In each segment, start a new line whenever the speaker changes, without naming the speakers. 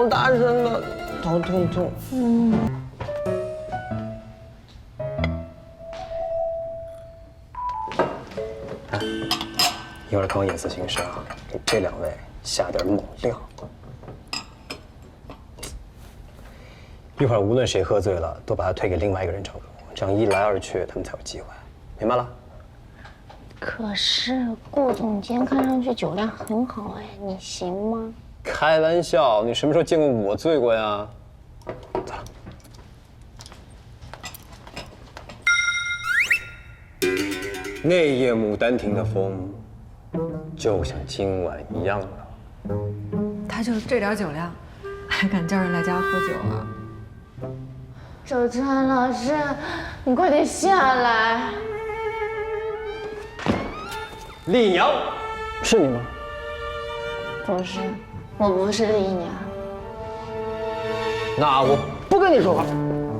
好大声的，头痛。一会儿看我眼色行事啊，给这两位下点猛料。一会儿无论谁喝醉了，都把他推给另外一个人照顾，这样一来二去，他们才有机会，明白了？
可是顾总监看上去酒量很好哎，你行吗？
开玩笑，你什么时候见过我醉过呀？走了。那夜牡丹亭的风，就像今晚一样了。
他就这点酒量，还敢叫人来家喝酒啊？
周川老师，你快点下来！
丽娘，是你吗？
不是，我不是丽娘。
那我不跟你说话。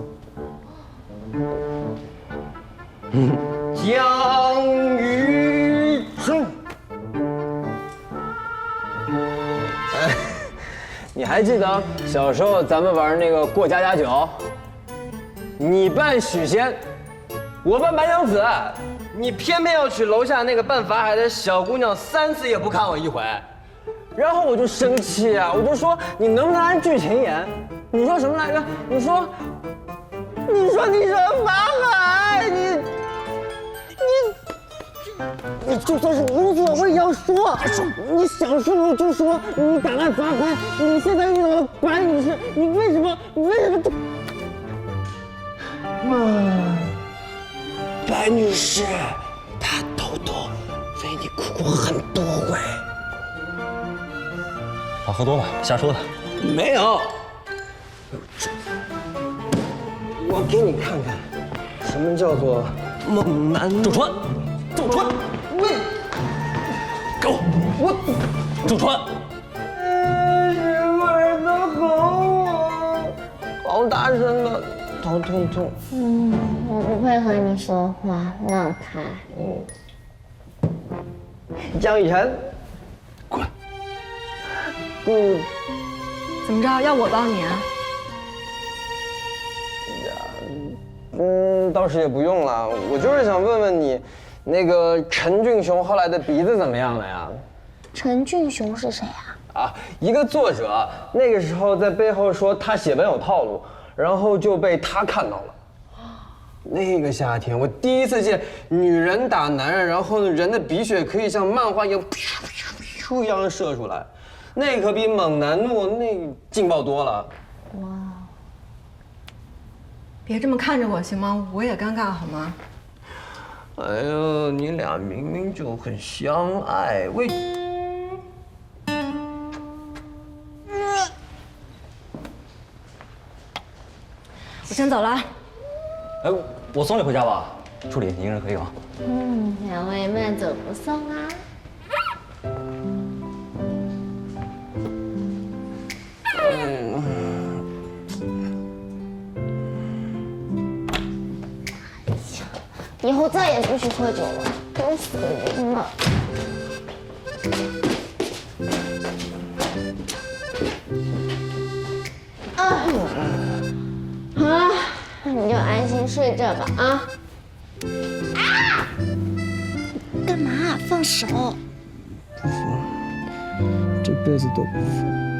江雨春，你还记得小时候咱们玩那个过家家酒？你扮许仙，我扮白娘子，你偏偏要娶楼下那个扮法海的小姑娘，3次也不看我一回。然后我就生气啊，我就说你能不能按剧情演？你说什么来着？你说法海，你就算是无所谓要说，你想说就说，你打烂法海，你现在遇到了白女士，你为什么就？白女士，她偷偷为你哭过很多回。
他喝多了，瞎说的。
没有，我给你看看，什么叫做猛男。
周川，给我，周川。
什么人都吼我，好大声的，头痛。
我不配和你说话，让开。
江雨晨，
滚！
怎么着？要我帮你啊？
倒是也不用了，我就是想问问你，那个陈俊雄后来的鼻子怎么样了呀？
陈俊雄是谁啊？
一个作者，那个时候在背后说他写文有套路，然后就被他看到了。那个夏天，我第一次见女人打男人，然后呢，人的鼻血可以像漫画一样噗一样射出来，那可比猛男诺那劲爆多了。哇！
别这么看着我行吗？我也尴尬好吗？
哎呦，你俩明明就很相爱，为……
我先走了。
哎，我送你回家吧。助理，你一个人可以吗？
两位慢走不送啊。以后再也不许喝酒了，都死人了。好了，那你就安心睡这吧啊！干嘛？放手！
这辈子都不放。